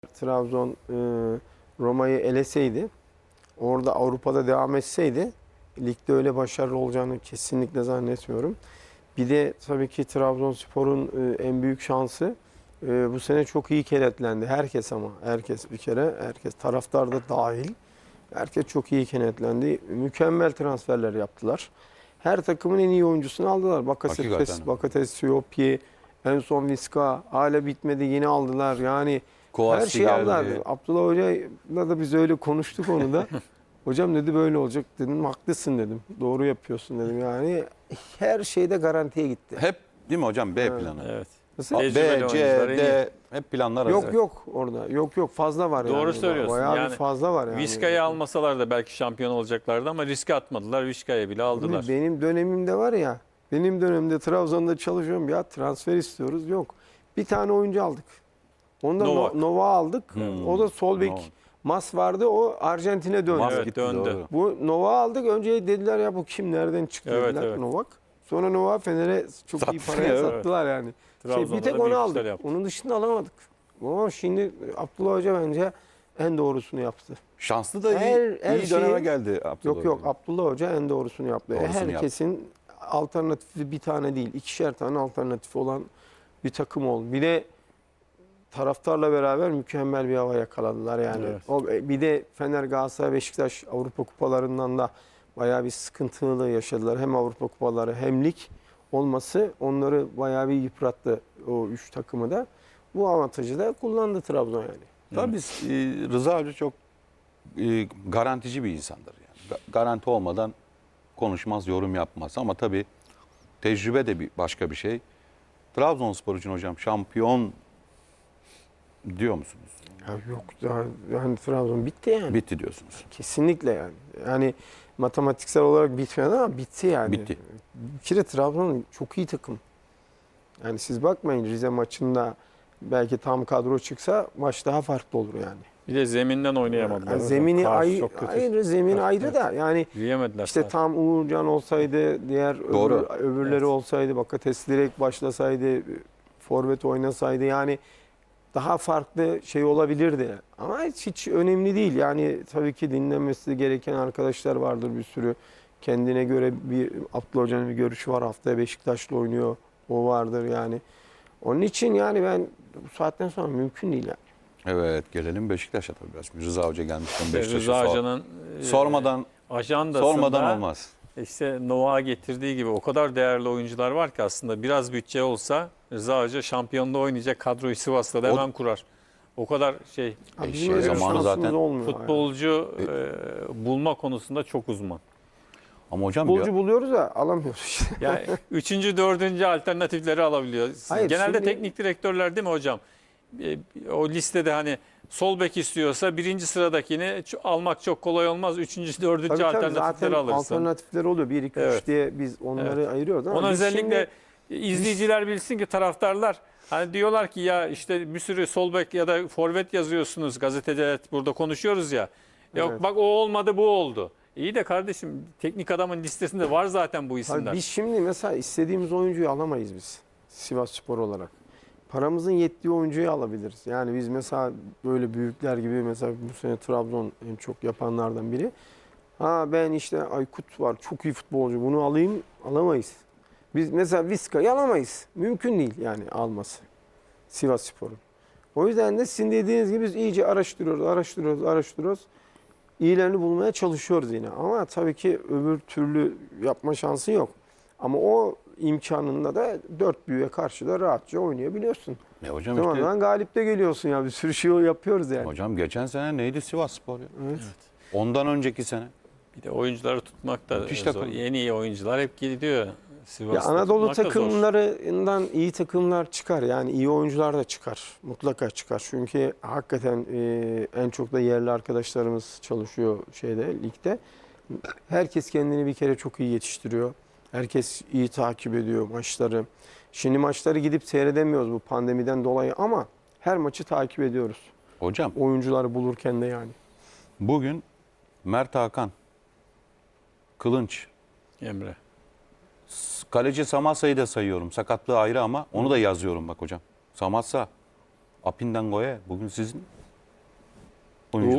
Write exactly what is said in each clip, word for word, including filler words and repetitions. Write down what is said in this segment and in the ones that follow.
Trabzon e, Roma'yı eleseydi, orada Avrupa'da devam etseydi, ligde öyle başarılı olacağını kesinlikle zannetmiyorum. Bir de tabii ki Trabzonspor'un e, en büyük şansı e, bu sene çok iyi kenetlendi. Herkes ama herkes bir kere, herkes taraftar da dahil. Herkes çok iyi kenetlendi. Mükemmel transferler yaptılar. Her takımın en iyi oyuncusunu aldılar. Bakasetes, Hakikaten. Bakasetes, Siyopi, en son Viska, hala bitmedi yine aldılar. Yani Kovasi her şeyi geldi. aldılar. Abdullah Hoca'yla da biz öyle konuştuk onu da. Hocam dedi böyle olacak dedim. Haklısın dedim. Doğru yapıyorsun dedim. Yani her şeyde garantiye gitti. Hep değil mi hocam B Evet. planı? Evet. Nasıl? B, Tecrübeli C, oyuncular en iyi. D hep planlar Yok hazır. yok orada. Yok yok fazla var yani. Doğru söylüyorsun. Bayağı Yani bir fazla var yani. Vizca'yı almasalar da belki şampiyon olacaklardı ama riske atmadılar. Vizca'yı bile aldılar. Benim dönemimde var ya, benim dönemimde Trabzon'da çalışıyorum ya transfer istiyoruz. Yok. Bir tane oyuncu aldık. Onda Novak. No- Nova aldık. Hmm. O da sol bek. Novak. Mas vardı o Arjantin'e döndü. Mas Evet, gitti, döndü. doğru. Bu Nova aldık. Önce dediler ya bu kim nereden çıktı Evet, dediler evet. Novak. Sonra Nova Fener'e çok iyi Sattı, paraya evet. sattılar yani. Şey, Trabzon'da bir tek da onu büyük aldık. işler yaptı. Onun dışında alamadık. Ama şimdi Abdullah Hoca bence en doğrusunu yaptı. Şanslı da iyi, Her- her iyi döneme şeyi- geldi Abdullah Yok yok Hoca. Abdullah Hoca en doğrusunu yaptı. E, Doğrusunu Herkesin alternatifi bir tane değil, ikişer tane alternatifi olan bir takım oldu. Bir de taraftarla beraber mükemmel bir hava yakaladılar yani. Evet. O bir de Fener, Galatasaray, Beşiktaş Avrupa kupalarından da bayağı bir sıkıntılı yaşadılar. Hem Avrupa kupaları hem lig olması onları bayağı bir yıprattı o üç takımı da. Bu avantajı da kullandı Trabzon yani. Tabii biz, e, Rıza Hoca çok e, garantici bir insandır. Yani. Ga- Garanti olmadan konuşmaz, yorum yapmaz. Ama tabii tecrübe de bir başka bir şey. Trabzonspor için hocam şampiyon diyor musunuz? Ya yok daha yani Trabzon bitti yani. Bitti diyorsunuz. Kesinlikle yani. Yani matematiksel olarak bitmedi ama bitti yani. Bitti. Bir kere Trabzon çok iyi takım. Yani siz bakmayın Rize maçında belki tam kadro çıksa maç daha farklı olur yani. Bir de zeminden oynayamadılar. Yani hocam. zemini Kar ayrı, çok kötü. ayrı zemin Kar, ayrı evet. da yani Yiyemediler. işte zaten. tam Uğurcan olsaydı, diğer Doğru. öbür, öbürleri Evet. olsaydı, Bakates direkt başlasaydı, forvet oynasaydı yani daha farklı şey olabilirdi. Ama hiç, hiç önemli değil. Yani tabii ki dinlenmesi gereken arkadaşlar vardır bir sürü. Kendine göre bir Abdullah Hoca'nın bir görüşü var. Haftaya Beşiktaş'la oynuyor. O vardır yani. Onun için yani ben bu saatten sonra mümkün değil yani. Evet, gelelim Beşiktaş'a tabii biraz. Rıza Hoca gelmişken İşte Beşiktaş'ı Rıza sor- Hoca'nın e, sormadan ajandasında sormadan olmaz. işte Novak'a getirdiği gibi o kadar değerli oyuncular var ki aslında biraz bütçe olsa Rıza Hoca şampiyonda oynayacak kadroyu Sivas'ta da O- hemen kurar. O kadar şey Abi E, bizim şey öyle bir zamanı şansımız zaten olmuyor yani. futbolcu e, bulma konusunda çok uzman. Ama hocam Futbolcu ya- buluyoruz da alamıyoruz işte. Yani üçüncü, dördüncü alternatifleri alabiliyor. Hayır, Genelde şimdi- teknik direktörler değil mi hocam? E, O listede hani sol bek istiyorsa birinci sıradakini ç- almak çok kolay olmaz. Üçüncü, dördüncü Tabii tabii alternatifleri zaten alırsın. alternatifler oluyor. bir iki Evet. üç diye biz onları ayırıyoruz ama Onu biz özellikle şimdi- izleyiciler bilsin ki taraftarlar hani diyorlar ki ya işte bir sürü sol bek ya da forvet yazıyorsunuz gazetede burada konuşuyoruz ya. Yok Evet. bak o olmadı bu oldu. İyi de kardeşim teknik adamın listesinde var zaten bu Abi isimler. biz şimdi mesela istediğimiz oyuncuyu alamayız biz Sivasspor olarak. Paramızın yettiği oyuncuyu alabiliriz. Yani biz mesela böyle büyükler gibi mesela bu sene Trabzon en çok yapanlardan biri. Ha ben işte Aykut var çok iyi futbolcu bunu alayım alamayız. Biz mesela Vizca'yı alamayız. Mümkün değil yani alması Sivasspor'un. O yüzden de sizin dediğiniz gibi biz iyice araştırıyoruz, araştırıyoruz, araştırıyoruz. İyilerini bulmaya çalışıyoruz yine. Ama tabii ki öbür türlü yapma şansı yok. Ama o imkanında da dört büyüğe karşı da rahatça oynayabiliyorsun. Ne hocam Tamam işte lan galip de geliyorsun ya. Bir sürü şey yapıyoruz yani. hocam geçen sene neydi Sivasspor ya? Evet. Ondan önceki sene. Bir de oyuncuları tutmak da Müthiş zor. takım. Yeni iyi oyuncular hep gidiyor. Sivas'ta Ya Anadolu tutmak da zor. takımlarından iyi takımlar çıkar. Yani iyi oyuncular da çıkar. Mutlaka çıkar. Çünkü hakikaten e, en çok da yerli arkadaşlarımız çalışıyor şeyde ligde. Herkes kendini bir kere çok iyi yetiştiriyor. Herkes iyi takip ediyor maçları. Şimdi maçları gidip seyredemiyoruz bu pandemiden dolayı ama her maçı takip ediyoruz. Hocam Oyuncuları bulurken de yani. bugün Mert Hakan, Kılınç, Emre. kaleci Samassa'yı da sayıyorum. Sakatlığı ayrı ama onu da yazıyorum bak hocam. Samassa, Apindango'ya bugün sizin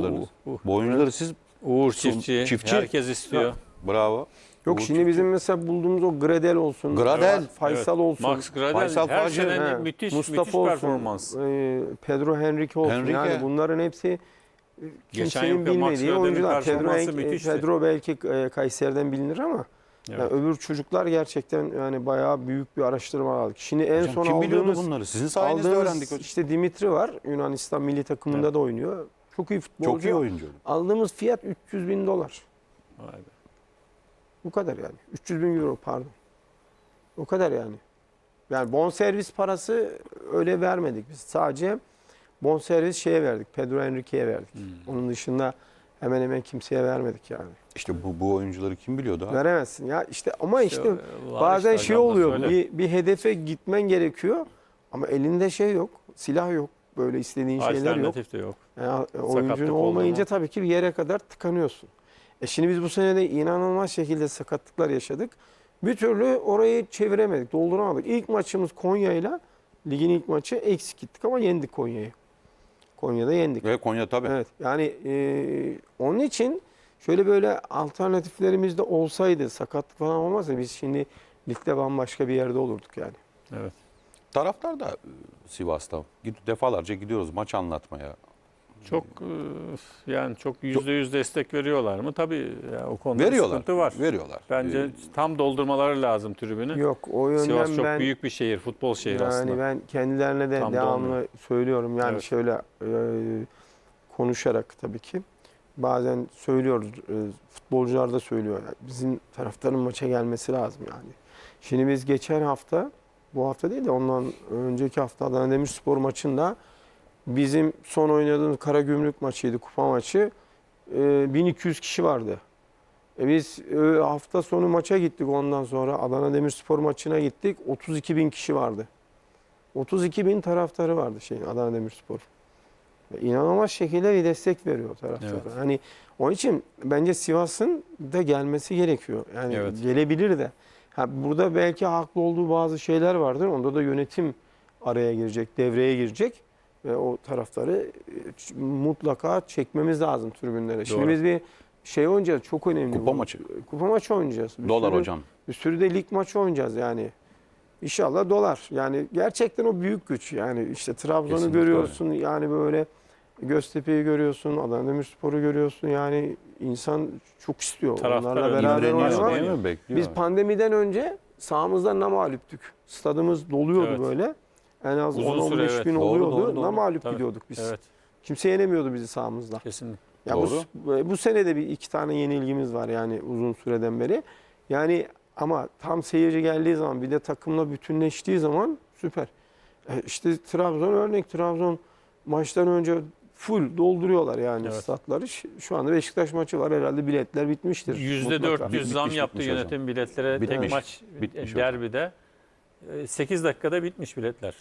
oyuncularınız. Uh, uh. Bu oyuncuları siz Uğur Çiftçi, Çiftçi. herkes istiyor. bravo. Yok Uğur şimdi Çiftçi. bizim mesela bulduğumuz o Gradel olsun. Gradel. Faysal olsun. Max Gradel Faysal her Facı, sene he, müthiş Mustafa müthiş olsun, performans. e, Pedro Henrique olsun. Henrique. Yani bunların hepsi e, Geçen kimsenin yılki Max bilmediği Gradel'in oyuncular. Pedro, performansı Henrique- müthişti. Pedro belki e, Kayseri'den bilinir ama Evet. yani öbür çocuklar gerçekten yani bayağı büyük bir araştırma aldık. Şimdi en Hocam son kim biliyordu aldığımız bunları? Sizin sayenizde aldığımız öğrendik hocam. işte Dimitri var. Yunanistan milli takımında Evet. da oynuyor. Çok iyi futbolcu. Çok iyi oyuncu. Aldığımız fiyat üç yüz bin dolar. Vay be. Bu kadar yani. üç yüz bin euro pardon. O kadar yani. Yani bonservis parası öyle vermedik biz. Sadece bonservis şeye verdik. Pedro Henrique'ye verdik. Hmm. Onun dışında hemen hemen kimseye vermedik yani. İşte bu, bu oyuncuları kim biliyordu abi? Veremezsin ya işte ama işte var bazen işte şey hocam da oluyor. söyle. Bir, bir hedefe gitmen gerekiyor ama elinde şey yok. Silah yok. Böyle istediğin şeyler yok. Alternatif de yok. Yani Sakatlık oyuncun oldu olmayınca mu? tabii ki bir yere kadar tıkanıyorsun. E şimdi biz bu sene de inanılmaz şekilde sakatlıklar yaşadık. Bir türlü orayı çeviremedik, dolduramadık. İlk maçımız Konya'yla, ligin ilk maçı eksik gittik ama yendik Konya'yı. Konya'da yendik. Ve Konya tabii. Evet yani e, onun için şöyle böyle alternatiflerimiz de olsaydı, sakatlık falan olmazsa biz şimdi ligde bambaşka bir yerde olurduk yani. Evet. Taraftar da e, Sivas'ta. Gid- Defalarca gidiyoruz maç anlatmaya. Çok e, yani çok yüzde yüz destek veriyorlar mı? Tabii ya, o konuda Veriyorlar. sıkıntı var. Veriyorlar. Bence Ee, tam doldurmaları lazım tribünü. Yok o yönden Sivas çok ben... büyük bir şehir, futbol şehri Yani aslında. ben kendilerine de Tam devamlı dolmuyor. söylüyorum. Yani Evet. şöyle e, konuşarak tabii ki. Bazen söylüyoruz. E, futbolcular da söylüyor. Yani bizim taraftarın maça gelmesi lazım yani. Şimdi biz geçen hafta, bu hafta değil de ondan önceki hafta Adana Demirspor maçında bizim son oynadığımız Karagümrük maçıydı, kupa maçı. E, bin iki yüz kişi vardı. E biz e, hafta sonu maça gittik ondan sonra. Adana Demirspor maçına gittik. otuz iki bin kişi vardı. otuz iki bin taraftarı vardı şeyin Adana Demirspor. Ve İnanılmaz şekilde bir destek veriyor taraftarı. Evet. Hani onun için bence Sivas'ın da gelmesi gerekiyor. Yani Evet. gelebilir de. Ha, burada belki haklı olduğu bazı şeyler vardır. Onda da yönetim araya girecek, devreye girecek. Ve o taraftarı e, mutlaka çekmemiz lazım tribünlere. Şimdi Doğru. biz bir şey oynayacağız. Çok önemli. Kupa bu. maçı. Kupa maçı oynayacağız. Bir Dolar sürü- hocam. Bir sürü de lig maçı oynayacağız yani. İnşallah dolar. Yani gerçekten o büyük güç. Yani işte Trabzon'u Kesinlikle görüyorsun. Yani böyle Göztepe'yi görüyorsun. Adana Demirspor'u görüyorsun. Yani insan çok istiyor. Taraftar Onlarla öyle. beraber İmreniyor oynamak. değil mi? Bekliyor. Biz pandemiden önce sahamızda namalüptük. Stadımız doluyordu Evet. böyle. En az Uzun on on süre, beş evet. bin Doğru, oluyordu. doğru, doğru. Namalüp Tabii. gidiyorduk biz. Evet, Kimse yenemiyordu bizi sahamızda. kesinlikle. Ya Doğru. bu, bu sene de bir iki tane yenilgimiz var yani uzun süreden beri. Yani ama tam seyirci geldiği zaman bir de takımla bütünleştiği zaman süper. E işte Trabzon örnek Trabzon maçtan önce full dolduruyorlar yani Evet. statları. Ş- Şu anda Beşiktaş maçı var herhalde biletler bitmiştir. yüzde mutlaka. dört yüz Bitmiş, zam bitmiş yaptı hocam. yönetim biletlere. Bitmiş, Tek maç bitmiş e, derbide. sekiz dakikada bitmiş biletler.